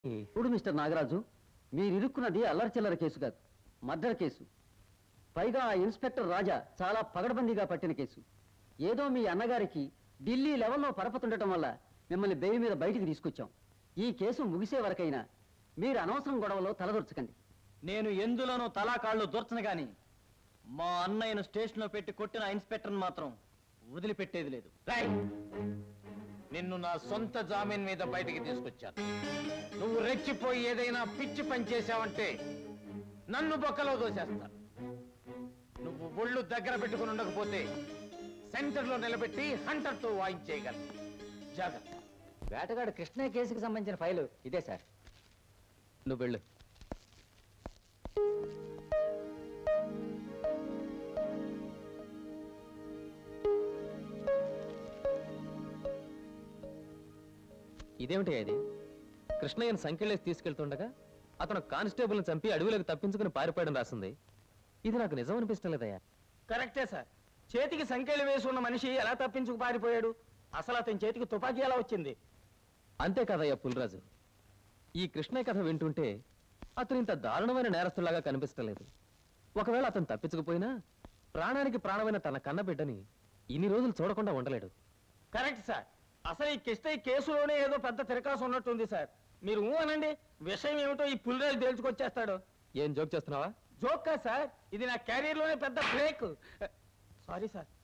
ఇప్పుడు మిస్టర్ నాగరాజు మీరు ఇరుక్కున్నది అల్లరి చిల్లర కేసు కాదు, మర్డర్ కేసు. పైగా ఆ ఇన్స్పెక్టర్ రాజా చాలా పగడబందీగా పట్టిన కేసు. ఏదో మీ అన్నగారికి ఢిల్లీ లెవెల్లో పరపతుండటం వల్ల మిమ్మల్ని బెయిల్ మీద బయటికి తీసుకొచ్చాం. ఈ కేసు ముగిసే వరకైనా మీరు అనవసరం గొడవలో తలదొరచకండి. నేను ఎందులోనూ తలాకాళ్ళు దొరచను గాని మా అన్నయ్యను స్టేషన్లో పెట్టి కొట్టిన ఇన్స్పెక్టర్ని మాత్రం వదిలిపెట్టేది లేదు. నిన్ను నా సొంత జామీన్ మీద బయటికి తీసుకొచ్చాను. నువ్వు రెచ్చిపోయి ఏదైనా పిచ్చి పని చేశావంటే నన్ను బొక్కలో దోసేస్తాను. నువ్వు ఒళ్ళు దగ్గర పెట్టుకుని ఉండకపోతే సెంటర్లో నిలబెట్టి హంటర్తో వాయించేయగలను. జాగ్రత్త. వేటగాడు కృష్ణయ్య కేసుకి సంబంధించిన ఫైలు ఇదే సార్. నువ్వు వెళ్ళు. ఇదేమిటి అది? కృష్ణయ్యను సంఖ్యలేసి తీసుకెళ్తుండగా అతను కానిస్టేబుల్ని చంపి అడవిలోకి తప్పించుకుని పారిపోయడం రాసింది. ఇది నాకు నిజం అనిపిస్తం లేదయ్యా. కరెక్టే సార్. చేతికి సంఖ్యలు వేసి ఉన్న మనిషి ఎలా తప్పించుకు పారిపోయాడు? అసలు అతని చేతికి తుపాకీ ఎలా వచ్చింది? అంతే కదయ్యా పుల్రాజు. ఈ కృష్ణయ్య కథ వింటుంటే అతను ఇంత దారుణమైన నేరస్తులాగా కనిపిస్తలేదు. ఒకవేళ అతను తప్పించకపోయినా ప్రాణానికి ప్రాణమైన తన కన్నబిడ్డని ఇన్ని రోజులు చూడకుండా ఉండలేడు. Correct sir. అసలు ఈ కిష్టయ్య కేసులోనే ఏదో పెద్ద తిరకాసు ఉన్నట్టుంది సార్. మీరు అనండి, విషయం ఏమిటో ఈ పులిరాజు తేల్చుకొచ్చేస్తాడు. ఏం జోక్ చేస్తున్నావా? జోక్ కాదు సార్, ఇది నా కెరీర్ లోనే పెద్ద బ్రేక్. Sorry sir.